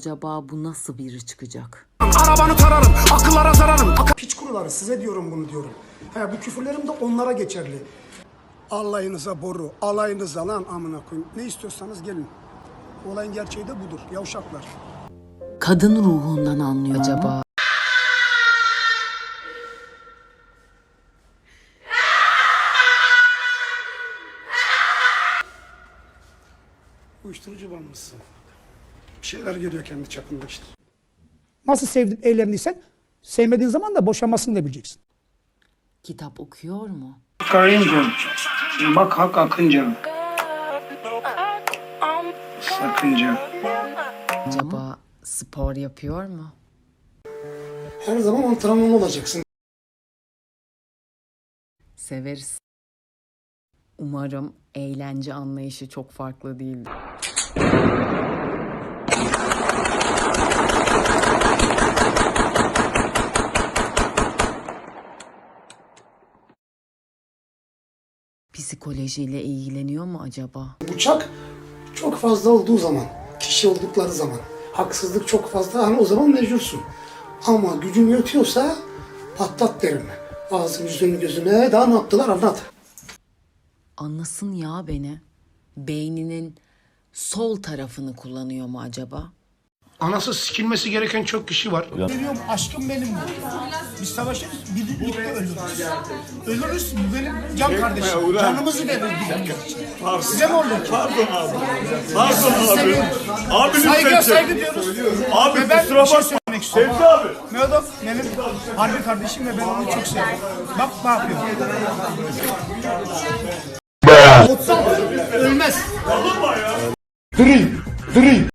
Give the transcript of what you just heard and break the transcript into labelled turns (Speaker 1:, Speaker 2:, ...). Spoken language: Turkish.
Speaker 1: acaba bu nasıl biri çıkacak?
Speaker 2: Arabanı tararım, akıllara zararım. Piç kuruları size diyorum bunu diyorum. Bu küfürlerim de onlara geçerli. Alayınıza boru, alayınıza lan amına koyayım. Ne istiyorsanız gelin. Olayın gerçeği de budur. Yavşaklar.
Speaker 1: Kadın ruhundan anlıyor acaba?
Speaker 2: Uyuşturucu bağımlısı. Bir şeyler görüyor kendi çapında işte.
Speaker 3: Nasıl sevdin, eğlendiysen sevmediğin zaman da boşanmasını da bileceksin.
Speaker 1: Kitap okuyor mu?
Speaker 2: Karıncığım, bak hak akınca. Sakınca.
Speaker 1: Acaba spor yapıyor mu?
Speaker 2: Her zaman antrenman olacaksın.
Speaker 1: Severiz. Umarım eğlence anlayışı çok farklı değildir. Psikolojiyle ilgileniyor mu acaba?
Speaker 2: Bıçak çok fazla olduğu zaman, kişi oldukları zaman, haksızlık çok fazla, hani o zaman mecbursun. Ama gücün yetiyorsa patlat derim. Ağzın yüzünün gözüne daha ne yaptılar anlat.
Speaker 1: Anlasın ya beni. Beyninin sol tarafını kullanıyor mu acaba?
Speaker 2: Anası sikilmesi gereken çok kişi var.
Speaker 3: Geliyorum aşkım benim bu. Biz savaşırız, birlikte ölürüz. Ölürüz, bu benim can kardeşim. Canımızı veririz birbirimiz. Size ne olur ki?
Speaker 4: Pardon abi. Pardon abi. Abi
Speaker 3: Saygı diyoruz.
Speaker 4: Abi
Speaker 3: Ve ben
Speaker 4: kusura
Speaker 3: bir şey
Speaker 4: bakma.
Speaker 3: söylemek istiyorum.
Speaker 4: Sevdi abi.
Speaker 3: Mehmet benim harbi kardeşim ve ben onu çok seviyorum. Bak ne yapıyor. 36 ölmez.
Speaker 4: Alınma ya.
Speaker 2: Diri, diri.